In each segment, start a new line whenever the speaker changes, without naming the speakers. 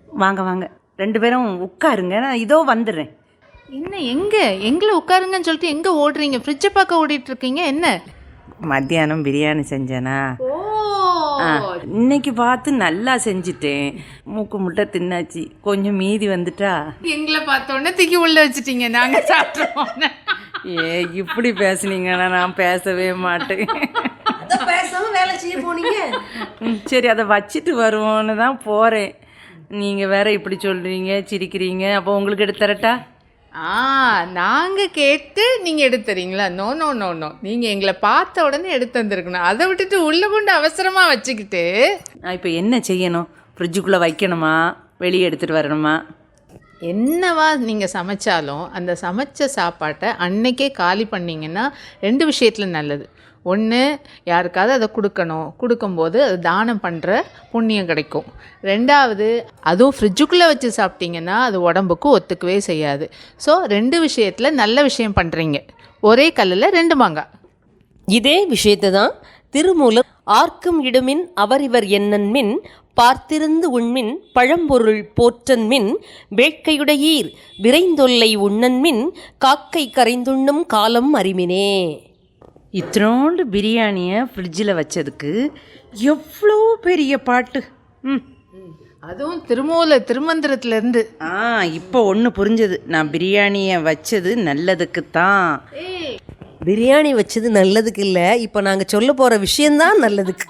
வாங்க வாங்க, 2 பேரும் உட்காருங்க, நான் இதோ வந்துடுறேன்.
என்ன எங்களை உட்காருங்கன்னு சொல்லிட்டு எங்கே ஓடுறீங்க? ஃப்ரிட்ஜை பார்க்க ஓடிட்டு இருக்கீங்க என்ன?
மத்தியானம் பிரியாணி செஞ்சேனா, இன்னைக்கு பார்த்து நல்லா செஞ்சுட்டேன். மூக்கு முட்டை தின்னாச்சு, கொஞ்சம் மீதி வந்துட்டா
எங்களை பார்த்தோன்னே தூக்கி உள்ள வச்சுட்டீங்க, நாங்கள் சாப்பிட்றோம்.
இப்படி பேசுனீங்கன்னா நான் பேசவே மாட்டேன்.
பேசாம வேலை செய்ய போனீங்க.
சரி, அதை வச்சுட்டு வருவோன்னு தான் போகிறேன். நீங்கள் வேற இப்படி சொல்கிறீங்க, சிரிக்கிறீங்க. அப்போ உங்களுக்கு எடுத்து தரட்டா?
நாங்கள் கேட்டு நீங்கள் எடுத்துறீங்களா? நோ நோ நோ நோ, நீங்கள் எங்களை பார்த்த உடனே எடுத்து வந்திருக்கணும். அதை விட்டுட்டு உள்ளே கொண்டு அவசரமாக வச்சுக்கிட்டு.
நான் இப்போ என்ன செய்யணும்? ஃப்ரிட்ஜுக்குள்ளே வைக்கணுமா, வெளியே எடுத்துகிட்டு வரணுமா?
என்னவா நீங்கள் சமைச்சாலும் அந்த சமைச்ச சாப்பாட்டை அன்னைக்கே காலி பண்ணிங்கன்னா 2 விஷயத்தில் நல்லது. ஒன்று, யாருக்காவது அதை கொடுக்கும்போது அது தானம் பண்ணுற புண்ணியம் கிடைக்கும். 2வது, அதுவும் ஃப்ரிட்ஜுக்குள்ளே வச்சு சாப்பிட்டிங்கன்னா அது உடம்புக்கு ஒத்துக்கவே செய்யாது. ஸோ 2 விஷயத்தில் நல்ல விஷயம் பண்ணுறீங்க. ஒரே கல்லில் 2 மாங்காய்.
இதே விஷயத்தை தான் திருமூலர் ஆர்க்கும் இடுமின் அவரிவர் என்னன்மின் பார்த்திருந்து உண்மின் பழம்பொருள் போற்றன்மின் வேட்கையுடையீர் விரைந்தொல்லை உண்ணன்மின் காக்கை கரைந்துண்ணும் காலம் அறிமினே.
இத்தனோண்டு பிரியாணியை ஃப்ரிட்ஜில் வச்சதுக்கு எவ்வளோ பெரிய பாட்டு.
அதுவும் திருமந்திரத்துலேருந்து.
இப்போ ஒன்று புரிஞ்சது. நான் பிரியாணியை வச்சது நல்லதுக்கு தான்.
பிரியாணி வச்சது நல்லதுக்கு இல்லை, இப்போ நாங்கள் சொல்ல போகிற விஷயந்தான் நல்லதுக்கு.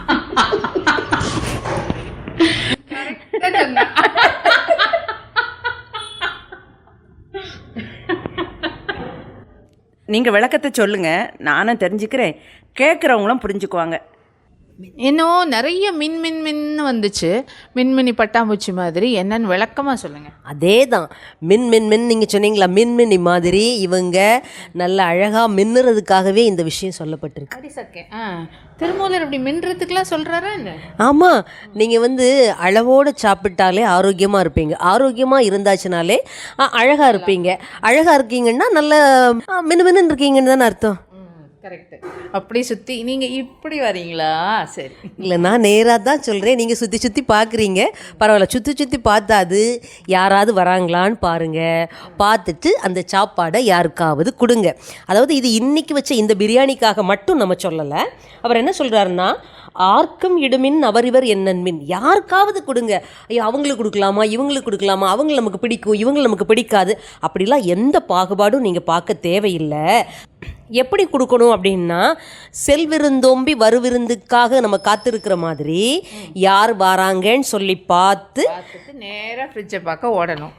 நீங்கள் விளக்கத்தை சொல்லுங்கள், நானும் தெரிஞ்சுக்கிறேன், கேட்குறவங்களும் புரிஞ்சுக்குவாங்க.
இன்னும் நிறைய மின் வந்துச்சு, மின்மினி பட்டாம்பூச்சி மாதிரி. என்னன்னு விளக்கமாக சொல்லுங்கள்.
அதே தான் மின் நீங்கள் சொன்னீங்களா, மின்மினி மாதிரி இவங்க நல்ல அழகாக மின்னுறதுக்காகவே இந்த விஷயம் சொல்லப்பட்டிருக்கு.
அடி சக்கே, திருமூலர் அப்படி மின்னுறதுக்கெலாம் சொல்கிறாரா என்ன?
ஆமாம், நீங்கள் அளவோடு சாப்பிட்டாலே ஆரோக்கியமாக இருப்பீங்க. ஆரோக்கியமாக இருந்தாச்சுனாலே அழகாக இருப்பீங்க. அழகாக இருக்கீங்கன்னா நல்ல மின்னு இருக்கீங்கன்னு தானே அர்த்தம்.
கரெக்டு. அப்படி சுற்றி நீங்கள் இப்படி வரீங்களா? சரி,
இல்லை, நான் நேராக தான் சொல்கிறேன். நீங்கள் சுற்றி பார்க்குறீங்க, பரவாயில்ல. சுற்றி பார்த்தாது யாராவது வராங்களான்னு பாருங்கள். பார்த்துட்டு அந்த சாப்பாடை யாருக்காவது கொடுங்க. அதாவது இது இன்றைக்கி வச்ச இந்த பிரியாணிக்காக மட்டும் நம்ம சொல்லலை. அவர் என்ன சொல்கிறாருன்னா, ஆர்க்கும் இடுமின் அவரிவர் என்னன்மின், யாருக்காவது கொடுங்க. ஐயோ, அவங்களுக்கு கொடுக்கலாமா, இவங்களுக்கு கொடுக்கலாமா, அவங்க நமக்கு பிடிக்கும், இவங்க நமக்கு பிடிக்காது, அப்படிலாம் எந்த பாகுபாடும் நீங்கள் பார்க்க தேவையில்லை. எப்படி கொடுக்கணும் அப்படின்னா, செல்விருந்தோம்பி வருவிருந்துக்காக நம்ம காத்திருக்கிற மாதிரி யார் வராங்கன்னு சொல்லி பார்த்து
நேராக ஃப்ரிட்ஜை பார்க்க ஓடணும்.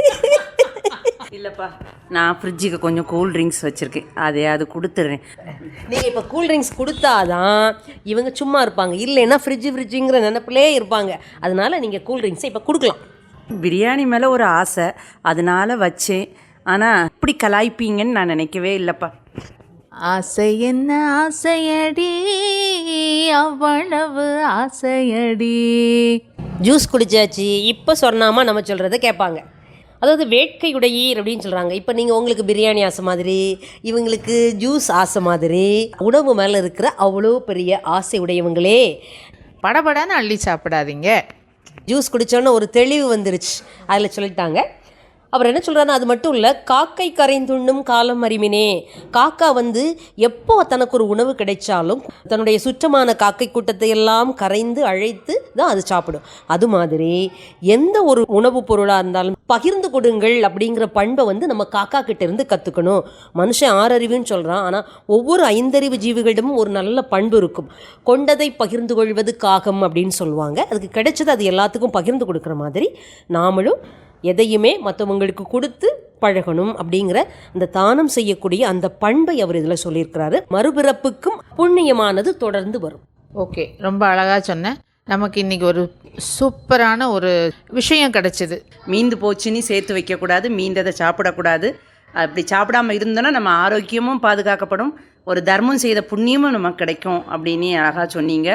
இல்லைப்பா, நான் ஃப்ரிட்ஜுக்கு கொஞ்சம் கூல் ட்ரிங்க்ஸ் வச்சுருக்கேன், அதையாவது கொடுத்துட்றேன்.
நீங்கள் இப்போ கூல் ட்ரிங்க்ஸ் கொடுத்தாதான் இவங்க சும்மா இருப்பாங்க, இல்லைன்னா ஃப்ரிட்ஜுங்கிற நினைப்பிலே இருப்பாங்க. அதனால் நீங்கள் கூல் ட்ரிங்க்ஸை இப்போ கொடுக்கலாம்.
பிரியாணி மேலே ஒரு ஆசை, அதனால் வச்சேன். ஆனால் இப்படி கலாய்ப்பீங்கன்னு நான் நினைக்கவே இல்லைப்பா.
ஆசை என்ன ஆசையடி, அவ்வளவு ஆசையடி.
ஜூஸ் குடிச்சாச்சு, இப்போ சொன்னாமா நம்ம சொல்கிறத கேட்பாங்க. அதாவது வேட்கையுடையீர் அப்படின்னு சொல்கிறாங்க. இப்போ நீங்கள் உங்களுக்கு பிரியாணி ஆசை மாதிரி, இவங்களுக்கு ஜூஸ் ஆசை மாதிரி, உணவு மேலே இருக்கிற அவ்வளோ பெரிய ஆசை உடையவங்களே
படபடான்னு அள்ளி சாப்பிடாதீங்க.
ஜூஸ் குடித்தோன்னே ஒரு தெளிவு வந்துருச்சு, அதில் சொல்லிட்டாங்க. அவர் என்ன சொல்கிறாருன்னா, அது மட்டும் இல்லை, காக்கை கரைந்துண்ணும் காலம் அறிமினே. காக்கா எப்போ தனக்கு ஒரு உணவு கிடைச்சாலும் தன்னுடைய சுற்றமான காக்கை கூட்டத்தை எல்லாம் கரைந்து அழைத்து தான் அது சாப்பிடும். அது மாதிரி எந்த ஒரு உணவுப் பொருளாக இருந்தாலும் பகிர்ந்து கொடுங்கள் அப்படிங்கிற பண்பை நம்ம காக்கா கிட்ட இருந்து கற்றுக்கணும். மனுஷன் 6 அறிவுன்னு சொல்கிறான், ஆனால் ஒவ்வொரு 5 அறிவு ஜீவிகளிடமும் ஒரு நல்ல பண்பு இருக்கும். கொண்டதை பகிர்ந்து கொள்வது காகம் அப்படின்னு சொல்லுவாங்க. அதுக்கு கிடைச்சது அது எல்லாத்துக்கும் பகிர்ந்து கொடுக்குற மாதிரி நாமளும் எதையுமே மற்றவங்களுக்கு கொடுத்து பழகணும் அப்படிங்கிற அந்த தானம் செய்யக்கூடிய அந்த பண்பை அவர் இதில் சொல்லியிருக்கிறாரு. மறுபிறப்புக்கும் புண்ணியமானது தொடர்ந்து வரும்.
ஓகே, ரொம்ப அழகாக சொன்னேன். நமக்கு இன்றைக்கி ஒரு சூப்பரான ஒரு விஷயம் கிடச்சிது.
மீந்து போச்சுன்னு சேர்த்து வைக்கக்கூடாது, மீந்ததை சாப்பிடக்கூடாது. அப்படி சாப்பிடாமல் இருந்தோன்னா நம்ம ஆரோக்கியமும் பாதுகாக்கப்படும், ஒரு தர்மம் செய்த புண்ணியமும் நமக்கு கிடைக்கும் அப்படின்னு அழகாக சொன்னீங்க.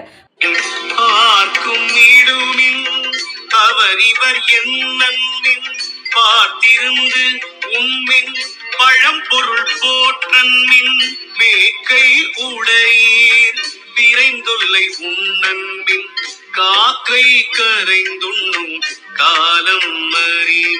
அவரிவர் என்னன்மின் பார்த்திருந்து உண்மின் பழம்பொருள் போற்றன்மின் வேட்கை உடையீர் விரைந்தொல்லை உண்ணன்மின் காக்கை கரைந்துண்ணும்
காலம் அறி